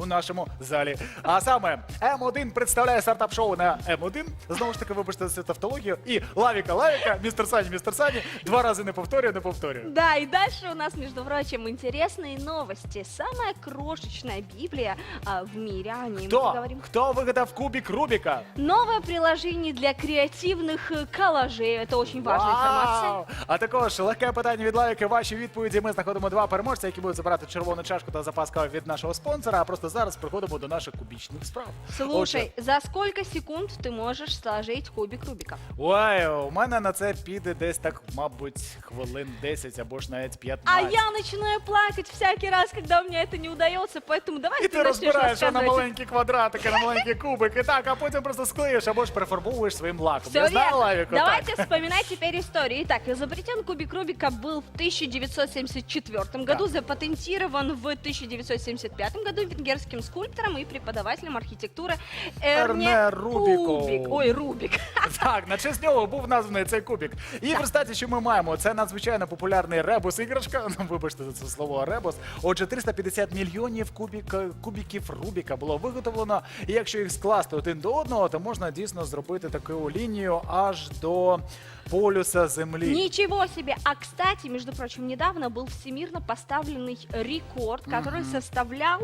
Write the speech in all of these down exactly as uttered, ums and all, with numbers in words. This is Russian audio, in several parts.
у нашому залі. А саме М один представляє стартап-шоу на М один. Знову ж таки, вибачте за тавтологію. І Лавіка, Лавіка, містер Сані, містер Сані. Два рази не повторюю, не повторюю. Да, и дальше у нас, между прочим, интересные новости. Самая крошечная Библия а, в мире. О ней мы Хто? поговорим. Хто вигадав кубик Рубіка? Новое приложение для креативных э, коллажей. Это очень важная информация. Вау! А також легке питання від Лавіки. Ваші відповіді. Ми знаходимо два переможця, які будуть забирати червону чашку та запас кави від нашого спонсора. А просто зараз приходимо до наших кубічних справ. Слушай, за сколько секунд ты можешь сложить кубик Рубика? Ой, у мене на це піде десь так, мабуть, хвилин десять або ж навіть А п'ятнадцять. я начинаю плакать всякий раз, когда у меня это не удается, поэтому давай І ты ти начнешь розбираєш що на рассказывать. маленькі квадратики, на маленькі кубики, так, а потім просто склеїш або ж перефарбовуєш своїм лаком. Все Я знаю, верно. Лавіку, Давайте так. вспоминать теперь историю. Итак, изобретен кубик Рубика был в тысяча девятьсот семьдесят четвёртом году, запатентирован в тысяча девятьсот семьдесят пятом году венгерским скульптором и преподавателем архитектуры Эрне Ерне Рубіко. Кубик. Ой, Рубик. Так, на честь нього був названий цей кубик. І в результаті, що ми маємо, це надзвичайно популярний ребус-іграшка, ну, вибачте за це слово ребус. Отже, триста п'ятдесят мільйонів кубік, кубіків Рубіка було виготовлено. І якщо їх скласти один до одного, то можна дійсно зробити таку лінію аж до полюса Землі. Ничего себе! А, кстати, между прочим, недавно был всемирно поставленный рекорд, который составлял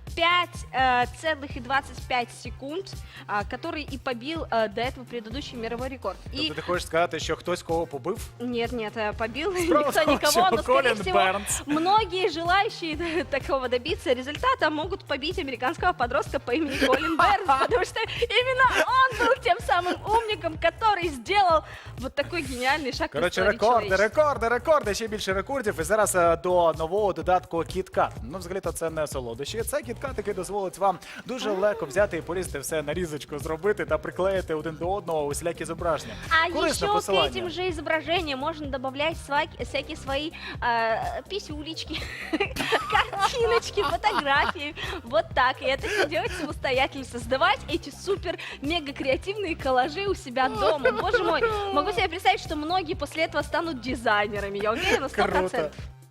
пять целых двадцать пять секунд, а, который и побил а, до этого предыдущий мировой рекорд. И Тобто ти хочеш сказати, що хтось кого побив? нет, нет, э, побил Справа никто в том, никого, что но, скорее Колин всего, Бернс. многие желающие такого добиться результата могут побить американского подростка по имени Колин Бернс, потому что именно он был тем самым умником, который сделал вот такой гениальный шаг в Коротше, истории рекорди, человечества. рекорди, рекорди, ще більше рекордів. І зараз е, до нового додатку KitKat. Ну, взагалі-то це не солодощі. Це KitKat, який дозволить вам дуже легко взяти і порізати все на різочку, зробити та приклеїти один до одного усілякі зображення. А Корисне еще к посилання. этим же изображениям можно добавлять сва- всякие свои э, писюлечки, картиночки, фотографии. Вот так. И это все делать самостоятельно. Создавать эти супер-мега-креативные коллажи у себя дома. Боже мой, могу себе представить, что многие после этого станут дизайнерами. Я уверена, сто Круто. процентов.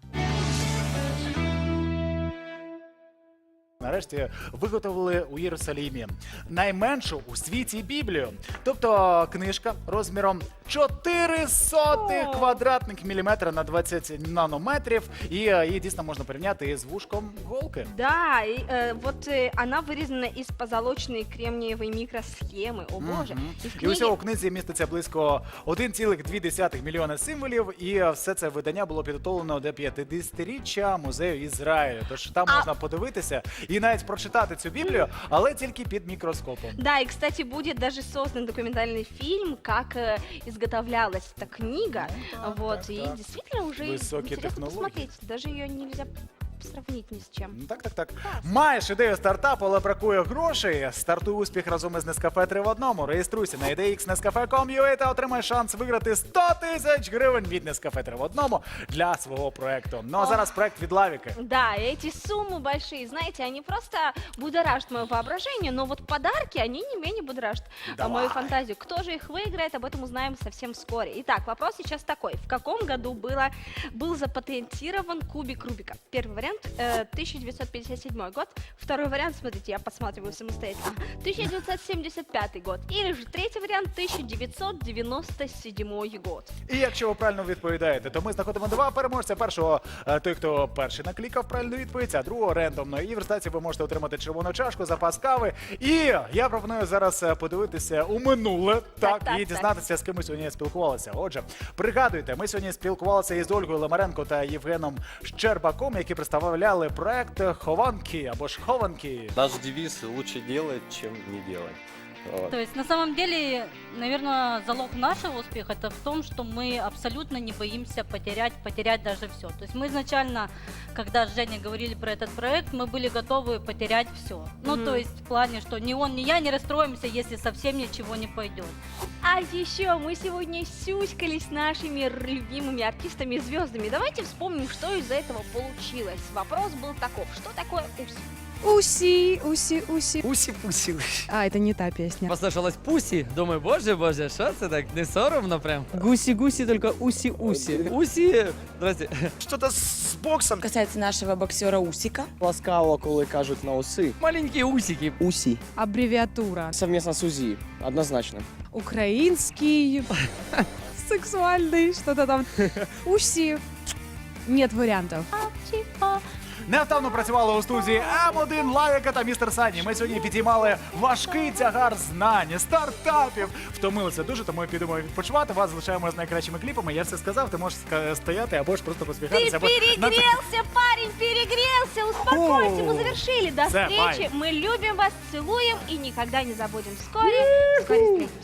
Нарешті виготовили у Єрусалімі найменшу у світі Біблію. Тобто книжка розміром чотири сотих О. квадратних міліметра на двадцять нанометрів. І е, її дійсно можна порівняти із вушком голки. Да, и, э, вот э, она вырезана из позолоченной кремниевой микросхемы. О боже. Мгм. И в І книге... усього у книзі міститься близько один цілих дві десятих мільйона символів, і е, все це видання було підготовлено до п'ятдесятиріччя музею Ізраїлю. Тож там А- можна подивитися і навіть прочитати цю Біблію, але тільки під мікроскопом. Да, и, кстати, будет даже создан документальный фильм, как э, изготовлялась эта книга. да, вот, так, и так. действительно уже Высокие интересно технологии. посмотреть. Даже ее нельзя сравнить ни с чем. Ну, Так, так, так. Маєш ідею стартапу, але бракує грошей. Стартуй успіх разом із Nescafe три в одному. Реєструйся на ідеї ікс нескафе крапка ком крапка ю а та отримай шанс виграти сто тисяч гривень від Nescafe три в одному для свого проекту. Ну а зараз проект від Лавіки. Да, и эти суммы большие, знаете, они просто будоражат мое воображение, но вот подарки, они не менее будоражат а, Давай. мою фантазию. Кто же их выиграет, об этом узнаем совсем вскоре. Итак, вопрос сейчас такой. В каком году было, был запатентирован кубик Рубика? Первый вариант э, тысяча девятьсот пятьдесят седьмой год. Второй вариант, смотрите, я посматриваю самостоятельно. тысяча девятьсот семьдесят пятый год. Или же третий вариант тысяча девятьсот девяносто седьмой год. І якщо ви правильно відповідаєте, то ми знаходимо два переможця. Першого е, той, хто перший наклікав правильну відповідь, а другого рендомно. І в результаті ви можете отримати червону чашку, запас кави. І я пропоную зараз е, подивитися у минуле, так, так, і так. дізнатися, з ким ми сьогодні спілкувалися. Отже, пригадуйте, ми сьогодні спілкувалися із Ольгою Лемаренко та Євгеном Щербаком, які представляли проект Хованки або ж Хованки. Наш девиз «Лучше делать, чем не делать». Вот. То есть на самом деле, наверное, залог нашего успеха это в том, что мы абсолютно не боимся потерять, потерять даже все. То есть мы изначально, когда с Женей говорили про этот проект, мы были готовы потерять все. Ну, Мгм. то есть в плане, что ни он, ни я не расстроимся, если совсем ничего не пойдет. А еще мы сегодня сюськались с нашими р- любимыми артистами и звездами. Давайте вспомним, что из этого получилось. Вопрос был таков. Что такое успех? Уси, уси, уси. Усі-пусі. А, это не та песня. Послышалось пусі. Думаю, боже, боже, що це так? Не соромно прям. Гуси-гуси, только уси-уси. Усі. Здрасте. Что-то с боксом. Касается нашего боксера Усика. Ласкаво, коли кажуть на уси. Маленькі усики. Усі. Аббревиатура. Совместно с УЗИ. Однозначно. Украинский, сексуальный, что-то там. Уси. Нет вариантов. Невтавно працювали у студії М один, Лавіка та містер Сані. Ми сьогодні підіймали важкий тягар знань, стартапів. Втомилися дуже, тому підемо відпочивати. Вас залишаємо з найкращими кліпами. Я все сказав, ти можеш ска- стояти або ж просто Ты посміхатися. або на це- перегрелся, парень, перегрелся. Успокойся, мы завершили. До Все, встречи. бай. Мы любим вас, целуем и никогда не забудем. Вскоре, вскоре встретимся.